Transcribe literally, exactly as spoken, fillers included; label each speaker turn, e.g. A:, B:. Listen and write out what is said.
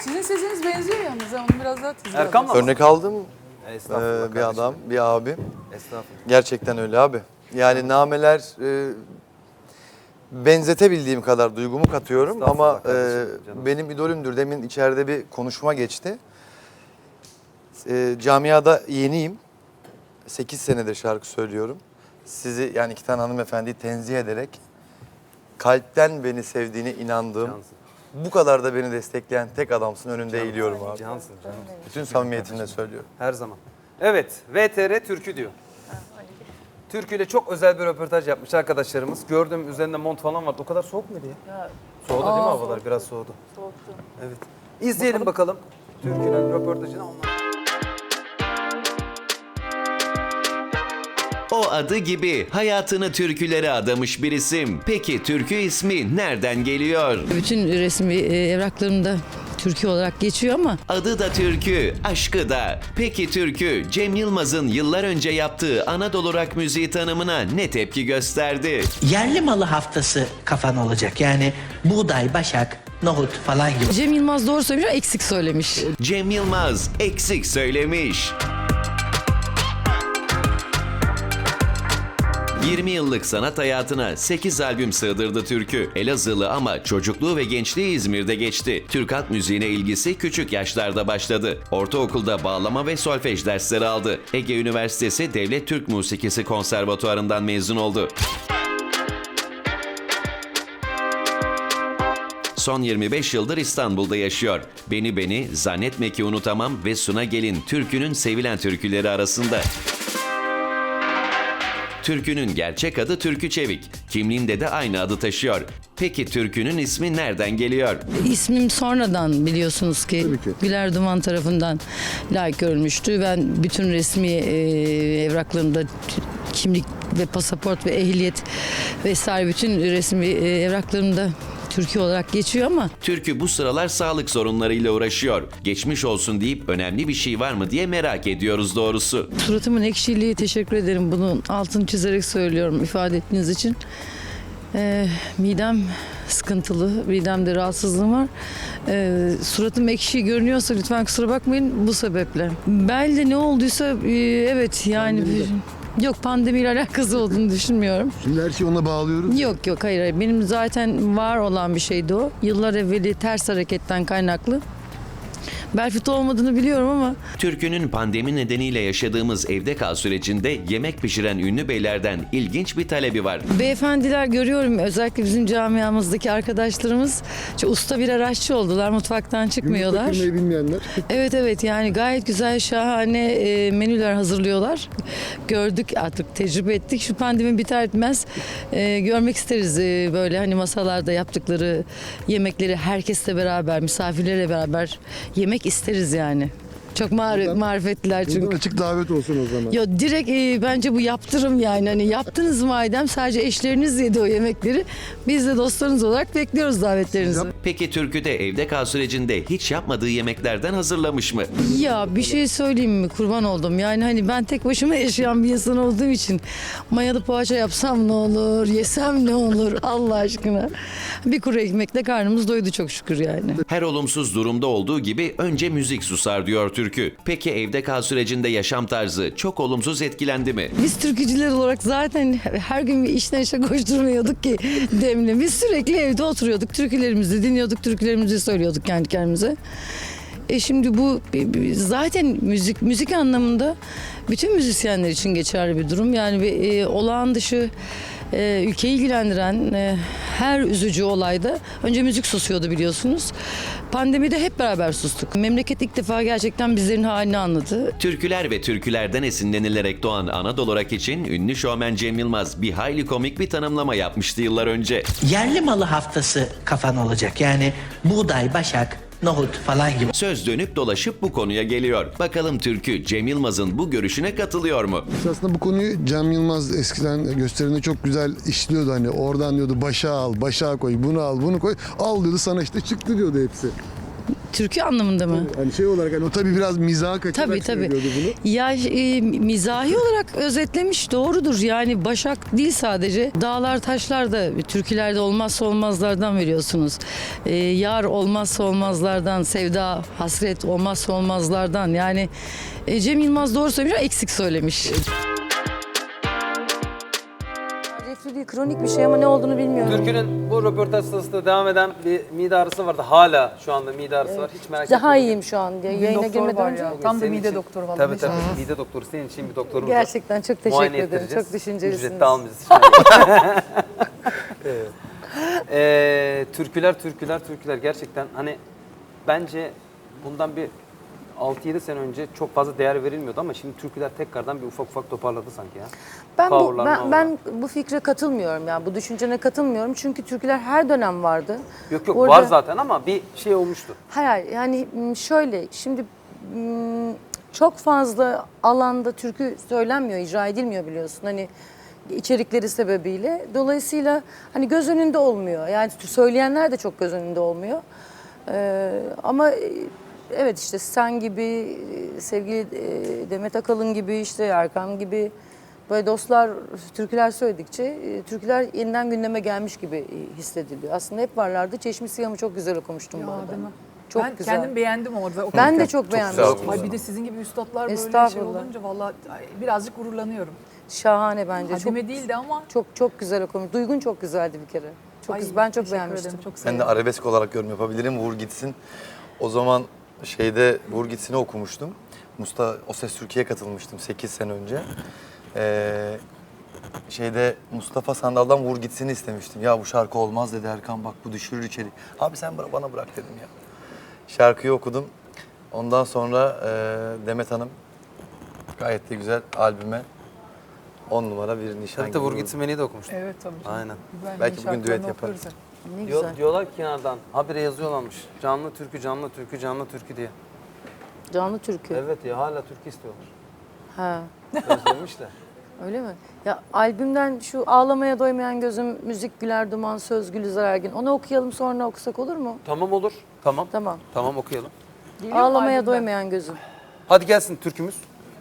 A: Sizin sesiniz benziyor yalnız. Onu biraz daha tizli
B: Erkan mı?
C: Örnek aldım
B: Estağfurullah
C: ee, bir adam, bir abim.
B: Estağfurullah.
C: Gerçekten öyle abi. Yani nameler e, benzetebildiğim kadar duygumu katıyorum ama
B: Estağfurullah kardeşim,
C: e,
B: canım.
C: benim idolümdür. Demin içeride bir konuşma geçti. E, camiada yeniyim. sekiz senedir şarkı söylüyorum. Sizi yani iki tane hanımefendiyi tenzih ederek kalpten beni sevdiğine inandığım,
B: Cansın.
C: bu kadar da beni destekleyen tek adamsın, önünde eğiliyorum abi.
B: Cansın canım.
C: Bütün samimiyetimle söylüyorum.
B: Her zaman. Evet, V T R Türkü diyor. Türkü ile çok özel bir röportaj yapmış arkadaşlarımız. Gördüm üzerinde mont falan vardı. O kadar soğuk muydu ya?
A: Ya,
B: Soğudu değil mi
A: Aa,
B: havalar?
A: soğuktu.
B: Biraz soğudu.
A: soğuktu.
B: Evet. İzleyelim bakalım. Türkü'nün röportajını. Ondan...
D: O adı gibi hayatını türkülere adamış bir isim. Peki türkü ismi nereden geliyor?
E: Bütün resmi e, evraklarımda Türkiye olarak geçiyor ama
D: Adı da türkü, aşkı da. Peki türkü, Cem Yılmaz'ın yıllar önce yaptığı Anadolu rock müziği tanımına ne tepki gösterdi?
F: Yerli malı haftası kafan olacak. Yani buğday, başak, nohut falan gibi.
E: Cem Yılmaz doğru söylemiş ama eksik söylemiş.
D: Cem Yılmaz eksik söylemiş. yirmi yıllık sanat hayatına sekiz albüm sığdırdı türkü. Elazığlı ama çocukluğu ve gençliği İzmir'de geçti. Türk halk müziğine ilgisi küçük yaşlarda başladı. Ortaokulda bağlama ve solfej dersleri aldı. Ege Üniversitesi Devlet Türk Musikisi Konservatuarı'ndan mezun oldu. Son yirmi beş yıldır İstanbul'da yaşıyor. Beni Beni, Zannetme Ki Unutamam ve Suna Gelin türkünün sevilen türküleri arasında. Türkünün gerçek adı Türkü Çevik. Kimliğinde de aynı adı taşıyor. Peki türkünün ismi nereden geliyor?
E: İsmim sonradan biliyorsunuz ki Güler Duman tarafından layık görülmüştü. Ben bütün resmi e, evraklarımda kimlik ve pasaport ve ehliyet vesaire bütün resmi e, evraklarımda Türkiye olarak geçiyor ama
D: Türkü bu sıralar sağlık sorunlarıyla uğraşıyor. Geçmiş olsun deyip önemli bir şey var mı diye merak ediyoruz doğrusu.
E: suratımın ekşiliği, teşekkür ederim. Bunun altını çizerek söylüyorum ifade ettiğiniz için. Ee, midem sıkıntılı, midemde rahatsızlığım var. Ee, suratım ekşi görünüyorsa lütfen kusura bakmayın bu sebeple. Belde ne olduysa e, evet yani... Yok, pandemiyle alakası olduğunu düşünmüyorum.
G: Şimdi her şeyi ona bağlıyoruz.
E: Yok yok hayır, hayır. Benim zaten var olan bir şeydi o. Yıllar evveli ters hareketten kaynaklı. Bel fıtığı olmadığını biliyorum ama
D: Türkünün pandemi nedeniyle yaşadığımız evde kal sürecinde yemek pişiren ünlü beylerden ilginç bir talebi var.
E: beyefendiler görüyorum, özellikle bizim camiamızdaki arkadaşlarımız çok usta birer aşçı oldular, mutfaktan çıkmıyorlar.
G: Yumurta kırmayı bilmeyenler.
E: Evet evet, yani gayet güzel, şahane e, menüler hazırlıyorlar. Gördük artık, tecrübe ettik. Şu pandemi biter bitmez e, görmek isteriz e, böyle hani masalarda yaptıkları yemekleri herkesle beraber, misafirlerle beraber yemek isteriz yani. Çok mar-
G: Buradan-
E: marifetliler çünkü.
G: Buradan açık davet olsun o zaman.
E: Yo, direkt e, bence bu yaptırım yani. Hani yaptınız madem, sadece eşleriniz yedi o yemekleri. Biz de dostlarınız olarak bekliyoruz davetlerinizi.
D: Peki türküde evde kal sürecinde hiç yapmadığı yemeklerden hazırlamış mı?
E: Ya bir şey söyleyeyim mi, kurban oldum. Yani hani ben tek başıma yaşayan bir insan olduğum için mayalı poğaça yapsam ne olur, yesem ne olur Allah aşkına. Bir kuru ekmekle karnımız doydu çok şükür yani.
D: Her olumsuz durumda olduğu gibi önce müzik susar diyor türkü. Peki evde kal sürecinde yaşam tarzı çok olumsuz etkilendi mi?
E: Biz türkücüler olarak zaten her gün bir işten işe koşturmuyorduk ki Demle. Biz sürekli evde oturuyorduk, türkülerimizi dinliyorduk, türkülerimizi söylüyorduk kendi kendimize. E şimdi bu zaten müzik müzik anlamında bütün müzisyenler için geçerli bir durum. Yani bir e, olağan dışı e, ülkeyi ilgilendiren e, her üzücü olayda önce müzik susuyordu biliyorsunuz. Pandemide hep beraber sustuk. Memleket ilk defa gerçekten bizlerin halini anladı.
D: Türküler ve türkülerden esinlenilerek doğan Anadolu rock için ünlü şovmen Cem Yılmaz bir hayli komik bir tanımlama yapmıştı yıllar önce.
F: Yerli malı haftası kafan olacak. Yani buğday, başak, nohut falan gibi.
D: Söz dönüp dolaşıp bu konuya geliyor. Bakalım türkü Cem Yılmaz'ın bu görüşüne katılıyor mu?
G: Aslında bu konuyu Cem Yılmaz eskiden gösterimde çok güzel işliyordu. Hani oradan diyordu başa al, başa koy, bunu al, bunu koy. Al diyordu, sana işte çıktı diyordu hepsi.
E: Türkü anlamında mı?
G: Hani şey olarak hani o tabii biraz mizaha kaçarak
E: Tabii tabii.
G: söylüyordu bunu.
E: Ya e, mizahi olarak özetlemiş doğrudur. Yani Başak değil sadece. Dağlar taşlar da türkülerde olmazsa olmazlardan veriyorsunuz. E, yar olmazsa olmazlardan, sevda, hasret olmazsa olmazlardan. Yani e, Cem Yılmaz doğru söylemiş ama eksik söylemiş.
A: Reflü değil, kronik bir şey ama ne olduğunu bilmiyorum.
B: Türkü'nün bu röportaj sırasında devam eden bir mide ağrısı vardı. Hala şu anda mide ağrısı var. Hiç merak etme.
A: Daha iyiyim şu an diye.
H: Bir
A: Yayına
H: doktor
A: girmeden
H: var
A: önce.
H: ya. Tam da
B: Senin
H: mide
B: için-
H: doktoru vallahi.
B: Tabii tabii. Mide doktoru senin için bir doktorumuz var.
A: Gerçekten çok teşekkür
B: Muayene
A: ederim.
B: ettireceğiz.
A: Çok düşüncelisiniz.
B: Ücret de almayacağız. Evet. Ee, türküler, türküler, türküler. Gerçekten hani bence bundan bir altı yedi sene önce çok fazla değer verilmiyordu ama şimdi türküler tekrardan bir ufak ufak toparladı sanki ya.
A: Ben bu,
B: Coverlar,
A: ben,
B: coverlar.
A: ben bu fikre katılmıyorum yani bu düşüncene katılmıyorum çünkü türküler her dönem vardı.
B: Yok yok
A: Orada-
B: var zaten ama bir şey olmuştu.
A: Hayır hayır, yani m, şöyle şimdi m, çok fazla alanda türkü söylenmiyor, icra edilmiyor biliyorsun hani içerikleri sebebiyle. Dolayısıyla hani göz önünde olmuyor. Yani söyleyenler de çok göz önünde olmuyor. Ee, ama e, evet işte sen gibi, e, sevgili e, Demet Akalın gibi, işte Erkan gibi böyle dostlar türküler söyledikçe e, türküler yeniden gündeme gelmiş gibi e, hissediliyor. Aslında hep varlardı. Çeşmi Siyah'ımı çok güzel okumuştum bu
H: Ya,
A: arada.
H: değil mi?
A: Çok
H: ben
A: güzel.
H: kendim beğendim orada.
A: Ben de çok beğenmiştim.
B: güzel okumuş.
H: Ay bir de sizin gibi üstadlar böyle şey
A: Estağfurullah.
H: olunca vallahi ay, birazcık gururlanıyorum.
A: Şahane bence. Çok
H: Hadime değildi ama
A: çok çok güzel okumuş. Duygun çok güzeldi bir kere. Çok
H: ay,
A: güzel. Ben çok
H: teşekkür
A: beğenmiştim.
H: ederim, Çok
C: Ben de
H: sevindim.
C: arabesk olarak yorum yapabilirim. Vur gitsin. O zaman şeyde Vur gitsin'i okumuştum. Mustafa O Ses Türkiye'ye katılmıştım sekiz sene önce. Ee, şeyde Mustafa Sandal'dan Vur gitsin'i istemiştim. Ya bu şarkı olmaz dedi Erkan, bak bu düşürür içeri. Abi sen bana, bana bırak dedim ya. Şarkıyı okudum. Ondan sonra e, Demet Hanım gayet de güzel albüme on numara bir nişan
B: Tabii
C: gibi
B: de Vur
C: vurdu.
B: Gitsin Beni'yi de okumuştum.
H: Evet tabii. canım.
B: Aynen.
H: İbrahim'in
C: Belki bugün düet
H: şarkılarını
C: yaparız.
H: okuyoruz hep.
A: Ne
B: Diyor,
A: güzel.
B: diyorlar ki kenardan habire yazıyorlarmış. Canlı türkü, canlı türkü, canlı türkü diye.
A: Canlı türkü.
B: Evet ya hala türkü istiyorlar.
A: Ha.
B: Özlemişler.
A: Öyle mi? Ya albümden şu Ağlamaya Doymayan Gözüm, Müzik Güler Duman, Söz Gülizar Ergin. Onu okuyalım sonra okusak olur mu?
B: Tamam olur. Tamam.
A: Tamam.
B: Tamam okuyalım.
H: Geliyor mu
A: Ağlamaya
H: albümden?
A: Doymayan Gözüm.
B: Hadi gelsin türkümüz.